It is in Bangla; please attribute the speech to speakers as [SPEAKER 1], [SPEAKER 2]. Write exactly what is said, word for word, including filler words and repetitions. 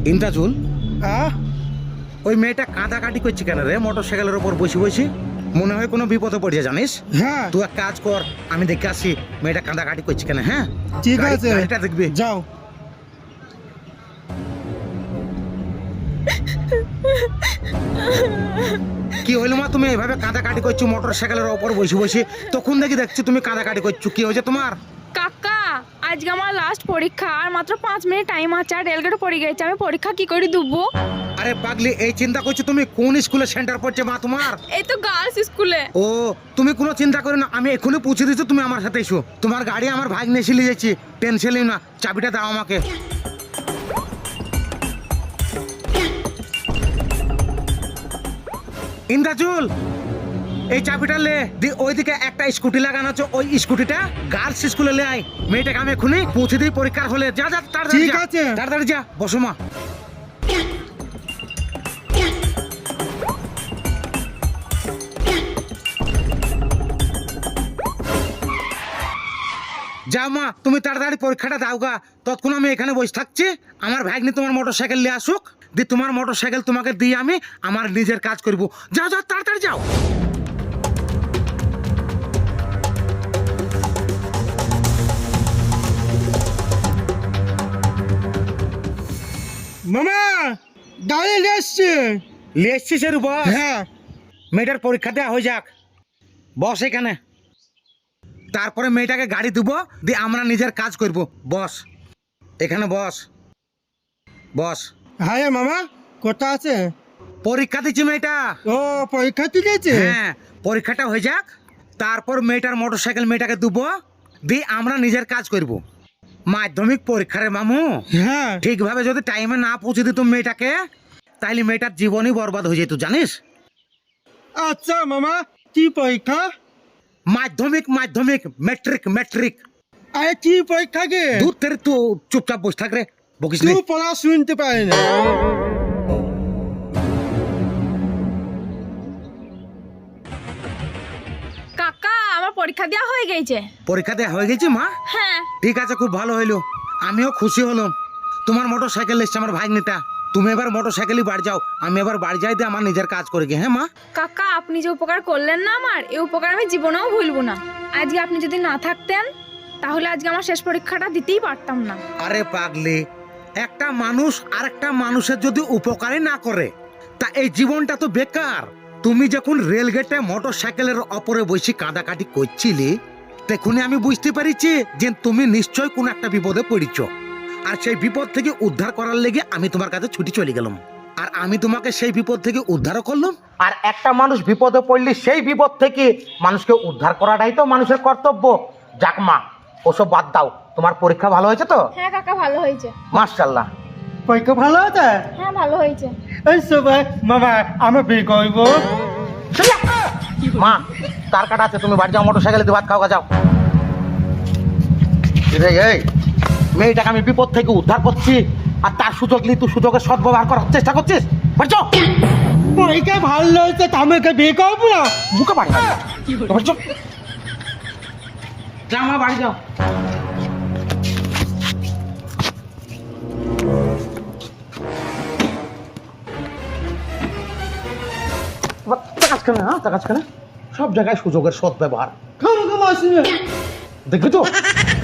[SPEAKER 1] ইন্দ্রাজুল,
[SPEAKER 2] আহ
[SPEAKER 1] ওই মেয়েটা কাঁদাকাটি করছে কেন রে মোটর সাইকেলের ওপর বসে বসে? মনে হয় কোনো বিপদে পড়ছে জানিস?
[SPEAKER 2] হ্যাঁ
[SPEAKER 1] তুই এক কাজ কর, আমি দেখে আসি মেয়েটা কাঁদাকাটি করছে কেন। হ্যাঁ
[SPEAKER 2] ঠিক
[SPEAKER 1] গাড়ি-
[SPEAKER 2] আছে
[SPEAKER 1] গাড়িটা দেখবি।
[SPEAKER 2] যাও।
[SPEAKER 1] কি হইলো মা, তুমি এইভাবে কাঁদাকাটি করছো মোটর সাইকেলের ওপর বসে বসে? তখন দেখি দেখছি তুমি কাঁদাকাটি করছো, কি হয়েছে তোমার?
[SPEAKER 3] কাকা আজকে আমার লাস্ট পরীক্ষা, আর মাত্র পাঁচ মিনিট টাইম আছে, আর রেলগেটে পড়ে গেছে, আমি পরীক্ষা কি করে দেবো?
[SPEAKER 1] আরে পাগলি, এই চিন্তা করছো তুমি কোন স্কুলে সেন্টার পড়ছে মা তোমার?
[SPEAKER 3] এই তো গার্লস স্কুলে।
[SPEAKER 1] ও, তুমি কোনো চিন্তা করো না, আমি এখনই পৌঁছে দিচ্ছি, তুমি আমার সাথে এসো। তোমার গাড়ি আমার ভাগ নিয়ে এসে যাচ্ছি, টেনশন নিও না। চাবিটা দাও আমাকে। ইন্দ্রাজুল, এই চাবিটা লে দি, ওইদিকে একটা স্কুটি লাগানো আছে, ওই স্কুটিটা গার্লস স্কুলে লে আয়। মেয়েটাকে আমি এখনই পৌঁছে দিই পরীক্ষার হলে। যা যা তাড়াতাড়ি
[SPEAKER 2] ঠিক
[SPEAKER 1] যা।
[SPEAKER 2] আছে।
[SPEAKER 1] তাড়াতাড়ি যা, বসো মা। যাও মা, তুমি তাড়াতাড়ি পরীক্ষাটা দাও গা। ততক্ষণ আমি এখানে বসে থাকছি, আমার ভাগ্নি তোমার মোটর সাইকেল নিয়ে আসুক, দি তোমার মোটর সাইকেল তোমাকে দিয়ে আমি আমার নিজের কাজ করব। যাও যাও তাড়াতাড়ি যাও।
[SPEAKER 2] মামা গাড়ি এসছে।
[SPEAKER 1] নিয়ে এসছি সেরু, বস।
[SPEAKER 2] হ্যাঁ
[SPEAKER 1] মেয়েটার পরীক্ষা দেওয়া হয়ে যাক, বস এখানে। তারপরে মেয়েটাকে গাড়ি দেবো, দিয়ে আমরা নিজের কাজ করব। বস এখানে, বস বস।
[SPEAKER 2] হ্যাঁ মামা কোথা আছে?
[SPEAKER 1] পরীক্ষা দিচ্ছি মেয়েটা।
[SPEAKER 2] ও পরীক্ষা ঠিক আছে।
[SPEAKER 1] হ্যাঁ, পরীক্ষাটা হয়ে যাক, তারপর মেয়েটার মোটর সাইকেল মেয়েটাকে দেবো, দিয়ে আমরা নিজের কাজ করব। মাধ্যমিক পরীক্ষারে মামু,
[SPEAKER 2] হ্যাঁ
[SPEAKER 1] ঠিকভাবে যদি টাইমে না পৌঁছে দিত মেয়েটাকে, তাইলে মেয়েটার জীবনই বরবাদ হয়ে যেত জানিস।
[SPEAKER 2] আচ্ছা মামা কি পরীক্ষা?
[SPEAKER 1] মাধ্যমিক মাধ্যমিক মেট্রিক মেট্রিক।
[SPEAKER 2] আরে কি পরীক্ষা গে?
[SPEAKER 1] দূর থেকে তো চুপচাপ বসে থাক রে, বকিস নি।
[SPEAKER 2] তুই পড়া শুনতে পারি না।
[SPEAKER 3] কাকা আমার পরীক্ষা দেওয়া হয়ে গেছে।
[SPEAKER 1] পরীক্ষা দেওয়া হয়ে গেছে মা?
[SPEAKER 3] হ্যাঁ।
[SPEAKER 1] ঠিক আছে, খুব ভালো হইলো, আমিও খুশি হলাম। তোমার মোটর সাইকেল এসছে আমার ভাগ্নিটা। তুমি এবার মোটর সাইকেলই বাড়ি যাও, আমি এবার বাড়ি যাই দিয়ে আমার নিজের কাজ করে গিয়ে। হ্যাঁ মা।
[SPEAKER 3] কাকা আপনি যে উপকার করলেন না আমার, এই উপকার আমি জীবনেও ভুলবো না। আজকে আপনি যদি না থাকতেন, তাহলে আজকে আমার শেষ পরীক্ষাটা দিতেই পারতাম না।
[SPEAKER 1] আরে পাগলি, একটা মানুষ আর একটা মানুষের যদি উপকারই না করে, তা এই জীবনটা তো বেকার। তুমি যখন রেলগেটে মোটর সাইকেলের অপরে বসে কাঁদাকাটি করছিলে, তখনই আমি বুঝতে পারিছি যে তুমি নিশ্চয় কোন একটা বিপদে পড়িছ। আর সেই বিপদ থেকে উদ্ধার করার লেগে আমি তোমার কাছে ছুটি চলে গেলাম, আর আমি তোমাকে সেই বিপদ থেকে উদ্ধারও করলাম। আর একটা মানুষ বিপদে পড়লে সেই বিপদ থেকে মানুষকে উদ্ধার করাটাই তো মানুষের কর্তব্য। যাক মা, ওসব বাদ দাও। তোমার পরীক্ষা ভালো হয়েছে তো?
[SPEAKER 3] হ্যাঁ কাকা ভালো হয়েছে।
[SPEAKER 1] মাশাআল্লাহ।
[SPEAKER 2] পরীক্ষা ভালো আছে?
[SPEAKER 3] হ্যাঁ ভালো হয়েছে।
[SPEAKER 2] এই সবাই মামা আমি বিয়ে করবো।
[SPEAKER 1] মা, তার কাটা আছে, তুমি বাড়ি যাও, মোটর সাইকেলে ভাত খাওয়া যাও। এই এই মেয়েটাকে আমি বিপদ থেকে উদ্ধার করছি, আর তার সুযোগ নিয়ে তুই সুযোগের সদ্ব্যবহার করার চেষ্টা করছিস। বাড়ি যাও।
[SPEAKER 2] পরীক্ষা ভালো হয়েছে তা আমাকে বিয়ে করবো না?
[SPEAKER 1] বুকে বাড়ি যাও, বাড়ি যাও। যা মা, বাড়ি যাও। হ্যাঁ, সব জায়গায় সুযোগের সদ্ব্যবহার
[SPEAKER 2] খামো খামো আসিনি।
[SPEAKER 1] দেখবি তো।